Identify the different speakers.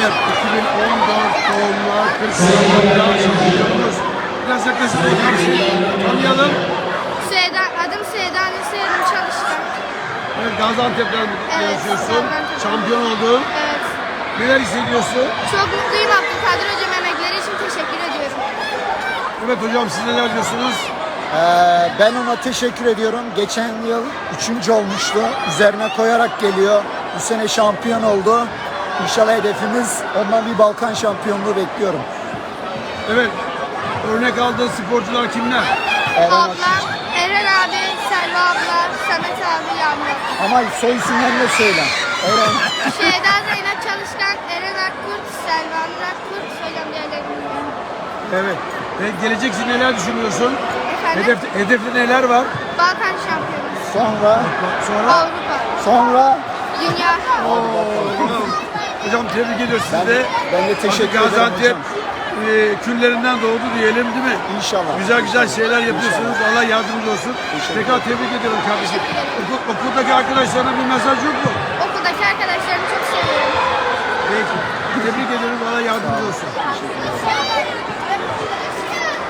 Speaker 1: Evet, 2014 doğumlu 40 şampiyonumuz. Biraz yaklaşık tanıyalım.
Speaker 2: Adım Süheyda Nesiyerim Çalışkan.
Speaker 1: Evet, Gaziantep'ten yaşıyorsun.
Speaker 2: Gaziantep.
Speaker 1: Şampiyon oldun.
Speaker 2: Evet.
Speaker 1: Neler hissediyorsun?
Speaker 2: Çok mutluyum, Abdülkadir Hocam emekleri için teşekkür ediyorum.
Speaker 1: Evet hocam, siz neler diyorsunuz?
Speaker 3: Ben ona teşekkür ediyorum. Geçen yıl 3. olmuştu. Üzerine koyarak geliyor. Bu sene şampiyon oldu. İnşallah hedefimiz ondan bir Balkan şampiyonluğu bekliyorum.
Speaker 1: Evet, örnek aldığın sporcular kimler?
Speaker 2: Ablam, Eren abi, Selva abla, Samet abi, Yağmur.
Speaker 3: Ama soy isimlerini de söyle. Eren.
Speaker 2: Şeyda Zeynep Çalışkan, Eren Akkurt, Selva Nur Akkurt, hocam diğerlerini bilmiyorum.
Speaker 1: Evet. Gelecek için neler düşünüyorsun?
Speaker 2: Efendim?
Speaker 1: Hedefte neler var?
Speaker 2: Balkan şampiyonu,
Speaker 3: Sonra
Speaker 2: Avrupa, Dünya.
Speaker 1: Hocam tebrik ediyoruz sizi de.
Speaker 3: ben de teşekkür ederim
Speaker 1: Gaziantep
Speaker 3: hocam.
Speaker 1: küllerinden doğdu diyelim değil mi?
Speaker 3: İnşallah.
Speaker 1: Güzel şeyler yapıyorsunuz.
Speaker 3: İnşallah.
Speaker 1: Allah yardımcı olsun.
Speaker 3: Teşekkür
Speaker 1: Tekrar tebrik ediyorum kardeşim. Okuldaki arkadaşlarına bir mesaj yok mu?
Speaker 2: Okuldaki arkadaşlarımı çok seviyorum.
Speaker 1: Peki. Tebrik ediyorum. Allah yardımcı olsun.